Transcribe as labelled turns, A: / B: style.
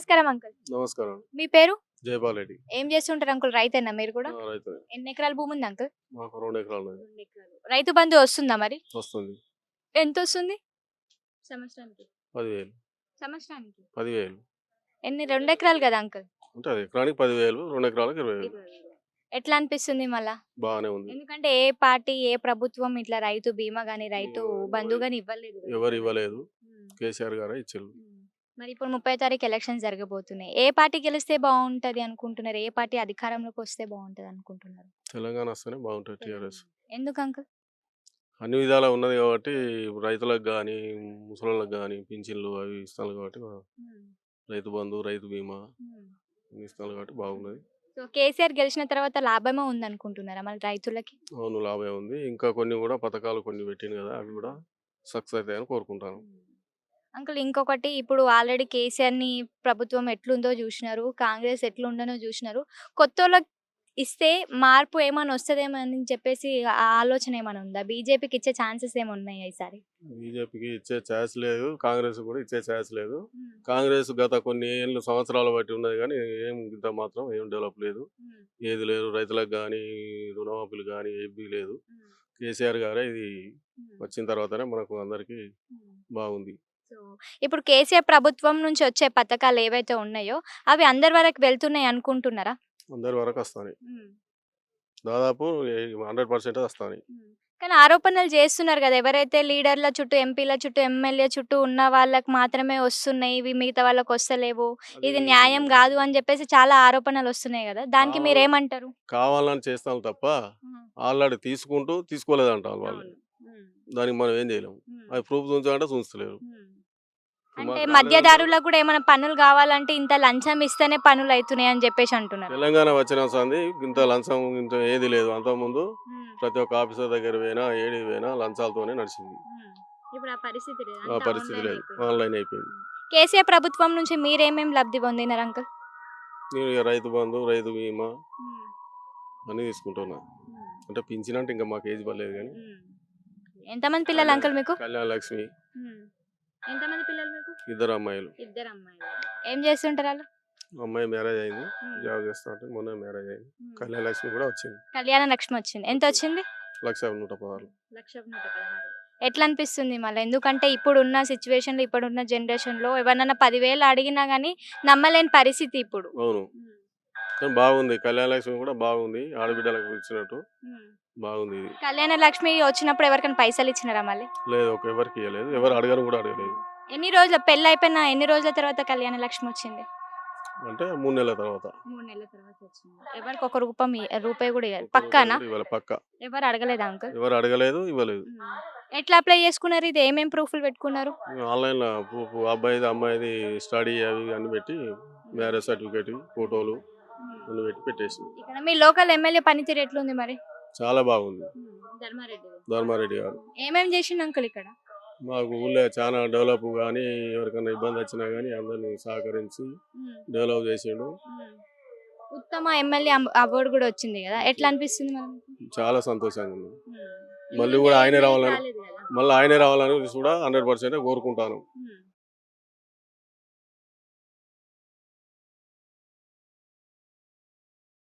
A: నమస్కారం అంకుల్.
B: నమస్కారం.
A: మీ పేరు?
B: జయపాల్ రెడ్డి.
A: ఏం చేస్తుంటారు అంకుల్? రైతేనా మీరు కూడా?
B: రైతు.
A: ఎన్ని ఎకరాల భూమి ఉంది అంకుల్?
B: మాకు 2 ఎకరాలు ఉన్నది.
A: 2 ఎకరాలు. రైతు బంధు వస్తుందా మరి?
B: వస్తుంది.
A: ఎంత వస్తుంది సంవత్సరానికి?
B: 10,000.
A: సంవత్సరానికి
B: 10,000.
A: ఎన్ని? 2 ఎకరాలు కదా అంకుల్?
B: ఉంటది. ఎకరానికి 10,000, 2 ఎకరాలకు 20,000.
A: ఎట్లా అనిపిస్తుంది మళ్ళా?
B: బాగానే ఉంది.
A: ఎందుకంటే ఏ పార్టీ ఏ ప్రభుత్వం ఇట్లా రైతు బీమా గాని రైతు బంధు గాని ఇవ్వలేదు కదా.
B: ఎవరు ఇవ్వలేదు.
A: ఉమ్.
B: కేసీఆర్ గారే ఇచ్చారు.
A: మరి ఇప్పుడు 30వ తారీఖు ఎలక్షన్స్ జరగబోతున్నాయి. ఏ పార్టీ గెలిస్తే బాగుంటది అనుకుంటున్నారు? ఏ పార్టీ అధికారంలోకి వస్తే బాగుంటది అనుకుంటున్నారు?
B: తెలంగాణ వస్తేనే బాగుంటుంది టీఆర్ఎస్.
A: ఎందుకు అంకుల్?
B: అన్ని విధాలా ఉన్నది కాబట్టి రైతులకు కానీ ముసలోళ్ళకి కానీ పింఛన్లు అవి ఇస్తాను కాబట్టి రైతు బంధు రైతు బీమా అన్ని ఇస్తాను కాబట్టి బాగున్నది.
A: సో కేసీఆర్ గెలిచిన తర్వాత లాభమే ఉంది అనుకుంటున్నారా మరి రైతులకి?
B: అవును, లాభమే ఉంది. ఇంకా కొన్ని కూడా పథకాలు కొన్ని పెట్టింది కదా, అవి కూడా సక్సెస్ అవుతాయని కోరుకుంటాను.
A: అంకుల్ ఇంకొకటి, ఇప్పుడు ఆల్రెడీ కేసీఆర్‌ని ప్రభుత్వం ఎట్లుందో జూషినారు. కాంగ్రెస్ ఎట్లుండనో జూషినారు. కొత్తోళ్ళకి ఇస్తే మార్పు ఏమన్నా వస్తదేమో అని చెప్పేసి ఆ ఆలోచన ఏమన్నా ఉందా? బీజేపీకి ఇచ్చే ఛాన్సెస్ ఏమన్నా ఉన్నాయా ఈసారి?
B: బీజేపీకి ఇచ్చే ఛాన్స్ లేదు, కాంగ్రెస్ కూడా ఇచ్చే ఛాన్స్ లేదు. కాంగ్రెస్ గత కొన్ని ఏళ్ళు సంవత్సరాలు బట్టి ఉన్నది కానీ ఏం ఇంత మాత్రం ఏం డెవలప్ లేదు, ఏది లేదు. రైతులకు కానీ రుణమాఫీలు కానీ ఏవి లేదు. కేసీఆర్ గారే ఇది వచ్చిన తర్వాతనే మనకు అందరికీ బాగుంది.
A: సో ఇప్పుడు కేసీఆర్ ప్రభుత్వం నుంచి వచ్చే పథకాలు ఏవైతే ఉన్నాయో అవి అందరి వరకు వెళ్తున్నాయి అనుకుంటున్నారా?
B: అందరి వరకు వస్తాయి, దాదాపు 100% వస్తాయి.
A: కానీ ఆరోపణలు చేస్తున్నారు కదా, ఎవరైతే లీడర్ల చుట్టూ ఎంపీల చుట్టూ ఎమ్మెల్యే చుట్టూ ఉన్న వాళ్ళకి మాత్రమే వస్తున్నాయి, ఇవి మిగతా వాళ్ళకి వస్తలేవు, ఇది న్యాయం కాదు అని చెప్పేసి చాలా ఆరోపణలు వస్తున్నాయి కదా, దానికి మీరేమంటారు?
B: కావాలని చేస్తాం తప్ప ఆల్రెడీ తీసుకుంటూ తీసుకోలేదు అంటారు వాళ్ళు. దానికి మనం ఏం చేయలేము. అది ప్రూఫ్ చూంచాలంటే చూస్తలేరు.
A: అంటే మధ్యదారులకు కూడా ఏమైనా పనులు కావాలంటే ఇంత లంచం ఇస్తేనే పనులు అవుతున్నాయి అని చెప్పేసి అంటున్నారు.
B: తెలంగాణ వచ్చిన సంది ఇంత లంచం ఇంత ఏది లేదు. అంతకుముందు ప్రతి ఒక్క ఆఫీసర్ దగ్గర పోయినా ఏడి పోయినా లంచాలతోనే నడిచింది.
A: ఇప్పుడు ఆ పరిస్థితి లేదు,
B: ఆ పరిస్థితి లేదు, ఆన్లైన్ అయిపోయింది.
A: కేసీఆర్ ప్రభుత్వం నుంచి మీరేమేమి లబ్ధి పొందినారు అంకుల్?
B: నేను ఇక రైతు బంధు రైతు బీమా అన్ని తీసుకుంటున్నా. అంటే పింఛన్ అంటే ఇంకా మాకు ఏజ్ పర్లేదు కానీ.
A: ఎంతమంది పిల్లలు అంకుల్ మీకు?
B: కళ్యాణ లక్ష్మి.
A: ఎంతమంది పిల్లలు మీకు?
B: 2 అమ్మాయిలు.
A: 2 అమ్మాయిలు. ఏం చేస్తుంటారు వాళ్ళు?
B: అమ్మాయి మ్యారేజ్ అయింది, జాబ్ చేస్తా ఉంటే మొన్న మ్యారేజ్ అయింది. కళ్యాణ లక్ష్మి కూడా వచ్చింది.
A: కళ్యాణ లక్ష్మి వచ్చింది. ఎంత వచ్చింది?
B: 1,116.
A: 1,116. ఎట్లా అనిపిస్తుంది మళ్ళీ? ఎందుకంటే ఇప్పుడున్న సిచ్యువేషన్లో ఇప్పుడున్న జనరేషన్లో ఎవరన్నా 10,000 అడిగినా కానీ నమ్మలేని పరిస్థితి ఇప్పుడు.
B: అవును, కానీ బాగుంది. కళ్యాణ లక్ష్మి కూడా బాగుంది, ఆడబిడ్డలకు ఇచ్చినట్టు బాగుంది.
A: కళ్యాణ లక్ష్మి వచ్చినప్పుడు ఎవరికైనా పైసలు ఇచ్చినారా మళ్ళీ?
B: లేదు, ఎవరికి ఇవ్వలేదు, ఎవరు అడగరు కూడా అడగలేదు.
A: ఎన్ని రోజుల పెళ్ళి అయిపోయిన ఎన్ని రోజుల తర్వాత కళ్యాణ లక్ష్మి వచ్చింది?
B: అంటే 3 నెలల తర్వాత.
A: 3 నెలల తర్వాత వచ్చింది. ఎవరికి ఒక రూపాయి కూడా ఇవ్వలేదు? పక్కానా?
B: పక్కా.
A: ఎవరు అడగలేదు అంకుల్?
B: ఎవరు అడగలేదు, ఇవ్వలేదు.
A: ఎట్లా అప్లై చేసుకున్నారు? ఇది ఏమేమి ప్రూఫ్లు పెట్టుకున్నారు?
B: ఆన్లైన్ లో ప్రూఫ్, అబ్బాయిది అమ్మాయిది స్టడీ అవి అన్ని పెట్టి, మ్యారేజ్ సర్టిఫికేట్, ఫోటోలు అన్ని పెట్టి పెట్టేసి.
A: ఇక్కడ మీ లోకల్ ఎమ్మెల్యే పనితీరు ఎట్లుంది మరి?
B: చాలా బాగుంది. ధర్మారెడ్డి గారు
A: ఏమేమి చేసిండు అంకుల్ ఇక్కడ?
B: మాకు ఊళ్ళో చాలా డెవలప్ కానీ, ఎవరికైనా ఇబ్బంది వచ్చినా కానీ అందరినీ సహకరించి డెవలప్ చేసిండు.
A: ఉత్తమ ఎమ్మెల్యే అవార్డు కూడా వచ్చింది కదా, ఎట్లా అనిపిస్తుంది మరి?
B: చాలా సంతోషంగా ఉంది. మళ్ళీ కూడా ఆయనే రావాలని కూడా 100% కోరుకుంటాను.